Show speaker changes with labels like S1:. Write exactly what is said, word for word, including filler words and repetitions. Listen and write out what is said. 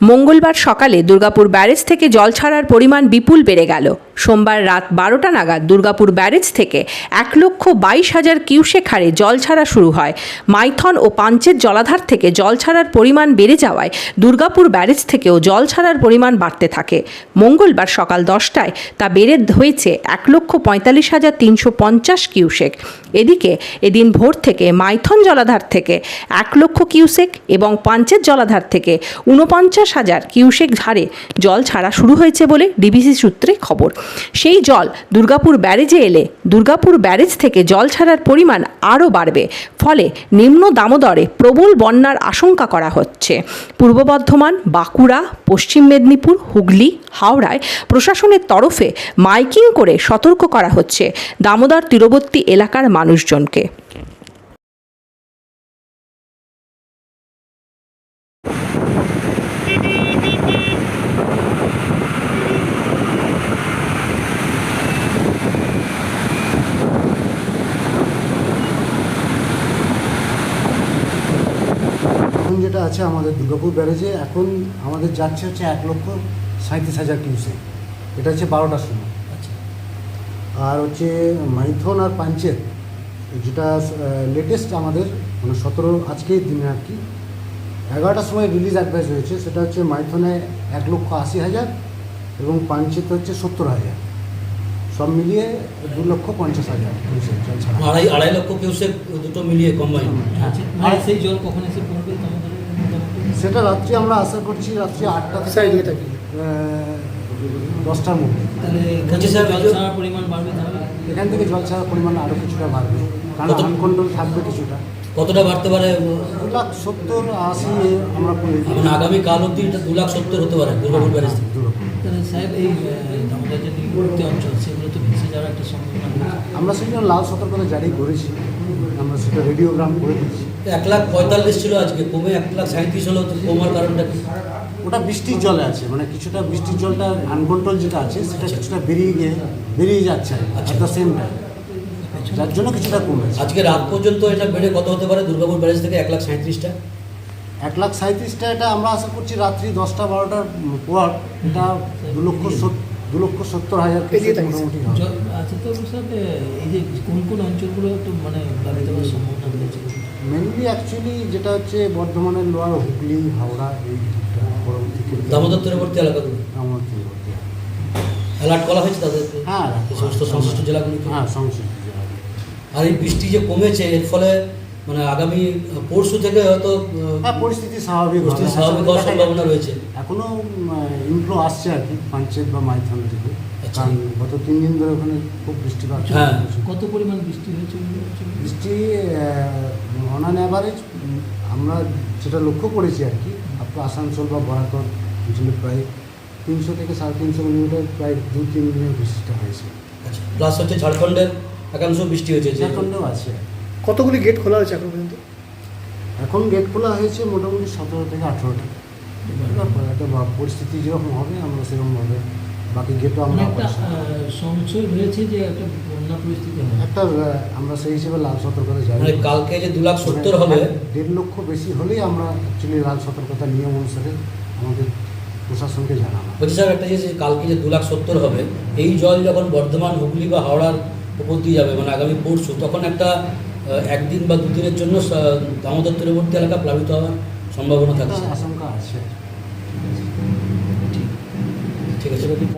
S1: মঙ্গলবার সকালে দুর্গাপুর ব্যারেজ থেকে জল ছাড়ার পরিমাণ বিপুল বেড়ে গেল। সোমবার রাত বারোটা নাগাদ দুর্গাপুর ব্যারেজ থেকে এক লক্ষ বাইশ হাজার কিউসেক হারে জল ছাড়া শুরু হয়। মাইথন ও পাঞ্চেত জলাধার থেকে জল ছাড়ার পরিমাণ বেড়ে যাওয়ায় দুর্গাপুর ব্যারেজ থেকেও জল ছাড়ার পরিমাণ বাড়তে থাকে। মঙ্গলবার সকাল দশটায় তা বেড়ে হয়েছে এক লক্ষ পঁয়তাল্লিশ হাজার তিনশো পঞ্চাশ কিউসেক। এদিকে এদিন ভোর থেকে মাইথন জলাধার থেকে এক লক্ষ কিউসেক এবং পাঞ্চেত জলাধার থেকে ঊনপঞ্চাশ হাজার কিউসেক হারে জল ছাড়া শুরু হয়েছে বলে ডিবিসি সূত্রে খবর। সেই জল দুর্গাপুর ব্যারেজে এলে দুর্গাপুর ব্যারেজ থেকে জল ছাড়ার পরিমাণ আরও বাড়বে। ফলে নিম্ন দামোদরে প্রবল বন্যার আশঙ্কা করা হচ্ছে। পূর্ব বর্ধমান, বাঁকুড়া, পশ্চিম মেদিনীপুর, হুগলি, হাওড়ায় প্রশাসনের তরফে মাইকিং করে সতর্ক করা হচ্ছে দামোদর তীরবর্তী এলাকার মানুষজনকে।
S2: এখন যেটা আছে আমাদের দুর্গাপুর ব্যারেজে এখন আমাদের যাচ্ছে হচ্ছে এক লক্ষ সাঁত্রিশ হাজার কিউসেক। এটা হচ্ছে বারোটার সময়। আচ্ছা। আর হচ্ছে মাইথন আর পাঞ্চেত যেটা লেটেস্ট আমাদের মানে সতেরো আজকের দিনে আর কি এগারোটার সময় রিলিজ অ্যাডভাইস হয়েছে, সেটা হচ্ছে মাইথনে এক লক্ষ আশি হাজার এবং পাঞ্চেত হচ্ছে সত্তর হাজার, সব মিলিয়ে দু লক্ষ পঞ্চাশ হাজার কিউসেক জল ছাড়া।
S3: আড়াই আড়াই লক্ষ কিউসেক দুটো মিলিয়ে কম্বাইন।
S4: আর সেই জল কখন এসে পড়বে?
S2: সেটা রাত্রি আমরা আশা করছি রাত্রি আটটা থেকে দশটার মধ্যে।
S4: তাহলে জল ছাড়ার পরিমাণ বাড়বে, তাহলে
S2: এখান থেকে জল ছাড়ার পরিমাণ আরও কিছুটা বাড়বে, কারণ আনকন্ট্রোল থাকবে কিছুটা।
S3: কতটা বাড়তে পারে?
S2: দু লাখ সত্তর আশি আমরা করে দিই।
S3: মানে আগামী কাল অব্দি এটা দু লাখ সত্তর হতে পারে দুর্গাপুর ব্যারেজ থেকে।
S4: তাহলে সাহেব এই আমাদের যে নিকটবর্তী অঞ্চল সেগুলো তো ভেসে যাওয়ার একটা সম্ভাবনা।
S2: আমরা সেটা লাল সতর্কতা জারি করেছি, আমরা সেটা রেডিওগ্রাম করে দিচ্ছি।
S3: এক লাখ পঁয়তাল্লিশ ছিল আজকে, কমে এক লাখ সাঁত্রিশ হলো। তো কমার কারণটা কি?
S2: ওটা বৃষ্টির জলে আছে, মানে কিছুটা বৃষ্টির জলটা আনকন্ট্রোল যেটা আছে সেটা কিছুটা বেরিয়ে গিয়ে বেরিয়ে যাচ্ছে অ্যাট দ্য সেম টাইম, যার জন্য কিছুটা কমেছে।
S3: আজকে রাত পর্যন্ত এটা বেড়ে কত হতে পারে দুর্গাপুর ব্যারেজ থেকে এক লাখ সাঁত্রিশটা?
S2: এক লাখ সাঁত্রিশটা এটা আমরা আশা করছি রাত্রি দশটা বারোটার পর এটা দু লক্ষ দু লক্ষ সত্তর হাজার মোটামুটি হবে।
S4: আচ্ছা, তো স্যার এই যে কোন কোন অঞ্চলগুলো একটু মানে প্লাবিত হওয়ার সম্ভাবনা রয়েছে?
S2: মেনলি অ্যাকচুয়ালি যেটা হচ্ছে বর্ধমানের লোয়ার হুগলি, হাওড়া, এই দিকটা পরবর্তী
S3: দামোদর তীরবর্তী এলাকাগুলো
S2: আমার তীরবর্তী
S3: অ্যালার্ট করা হয়েছে তাদের?
S2: হ্যাঁ,
S3: এই সমস্ত সংশ্লিষ্ট জেলাগুলিকে।
S2: হ্যাঁ, সংশ্লিষ্ট জেলা।
S3: আর এই বৃষ্টি যে কমেছে এর ফলে মানে আগামী পরশু থেকে হয়তো
S2: হ্যাঁ পরিস্থিতি স্বাভাবিক
S3: পরিস্থিতি স্বাভাবিক হওয়ার সম্ভাবনা রয়েছে।
S2: এখনও ইনফ্লো আসছে আর কি পাঞ্চেত বা মাইথন থেকে, কারণ গত তিন দিন ধরে ওখানে খুব বৃষ্টিপাত।
S3: হ্যাঁ,
S4: কত পরিমাণ বৃষ্টি হয়েছে?
S2: বৃষ্টি অন অ্যান অ্যাভারেজ আমরা যেটা লক্ষ্য করেছি আর কি আপনার আসানসোল বা বরাকর অঞ্চলে প্রায় তিনশো থেকে সাড়ে তিনশো মিলিমিটার প্রায় দু তিন দিনের বৃষ্টিটা হয়েছে।
S3: আচ্ছা, প্লাস হচ্ছে ঝাড়খণ্ডের একাংশ বৃষ্টি হয়েছে।
S2: ঝাড়খণ্ডেও আছে।
S5: কতগুলি গেট খোলা হয়েছে এখন পর্যন্ত?
S2: এখন গেট খোলা হয়েছে মোটামুটি সতেরো থেকে আঠেরোটা। একটা পরিস্থিতি যেরকম হবে আমরা সেরকমভাবে বাকি গেটও আমরা
S4: একটা সংশয় হয়েছে যে একটা বন্যা পরিস্থিতি হবে,
S2: একটা আমরা সেই হিসেবে লাল সতর্কতা জারি।
S3: মানে কালকে যে দু লাখ সত্তর হবে,
S2: দেড় লক্ষ বেশি হলেই আমরা অ্যাকচুয়ালি লাল সতর্কতা নিয়ম অনুসারে আমাদের প্রশাসনকে জানানো।
S3: বলছি স্যার একটা যে কালকে যে দু লাখ সত্তর হবে, এই জল যখন বর্ধমান, হুগলি বা হাওড়ার উপর দিয়ে যাবে মানে আগামী পরশু, তখন একটা একদিন বা দুদিনের জন্য দামোদর তীরবর্তী এলাকা প্লাবিত হওয়ার সম্ভাবনা থাকছে,
S2: আশঙ্কা আছে।
S3: ঠিক আছে।